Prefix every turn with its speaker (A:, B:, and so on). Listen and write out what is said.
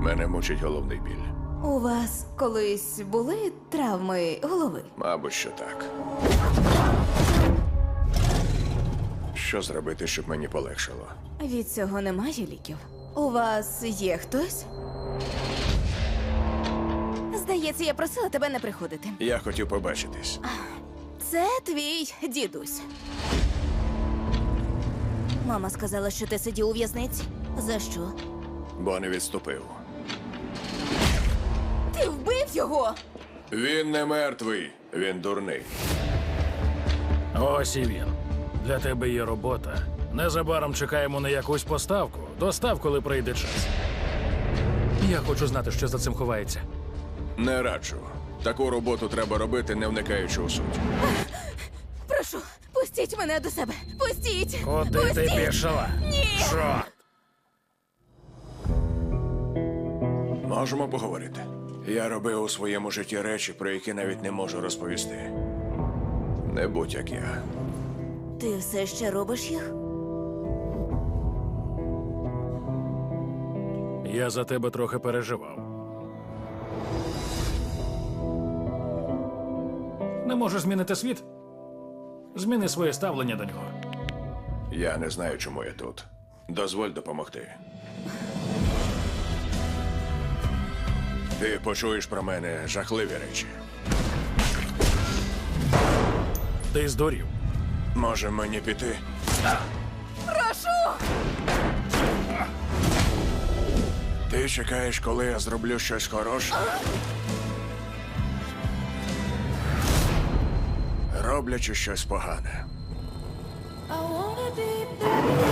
A: Мене мучить головний біль.
B: У вас колись були травми голови?
A: Мабуть, що так. Що зробити, щоб мені полегшало?
B: Від цього немає ліків. У вас є хтось? Здається, я просила тебе не приходити.
A: Я хотів побачитись.
B: Це твій дідусь. Мама сказала, що ти сидів у в'язниці. За що?
A: Бо не відступив.
B: Ти вбив його!
A: Він не мертвий, він дурний.
C: Ось і він. Для тебе є робота. Незабаром чекаємо на якусь поставку. Достав, коли прийде час. Я хочу знати, що за цим ховається.
A: Не раджу. Таку роботу треба робити, не вникаючи у суть.
B: Прошу, пустіть мене до себе! Пустіть!
C: Куди ти
B: Пустіть!
C: пішла?
B: Ні!
C: Чорт!
A: Можемо поговорити. Я робив у своєму житті речі, про які навіть не можу розповісти. Не будь як я.
B: Ти все ще робиш їх?
C: Я за тебе трохи переживав. Не можеш змінити світ? Зміни своє ставлення до нього.
A: Я не знаю, чому я тут. Дозволь допомогти. Ти почуєш про мене жахливі речі.
C: Ти здурів.
A: Може мені піти?
B: Прошу!
A: Ти чекаєш, коли я зроблю щось хороше? Роблячи щось погане.
B: I wanna be back.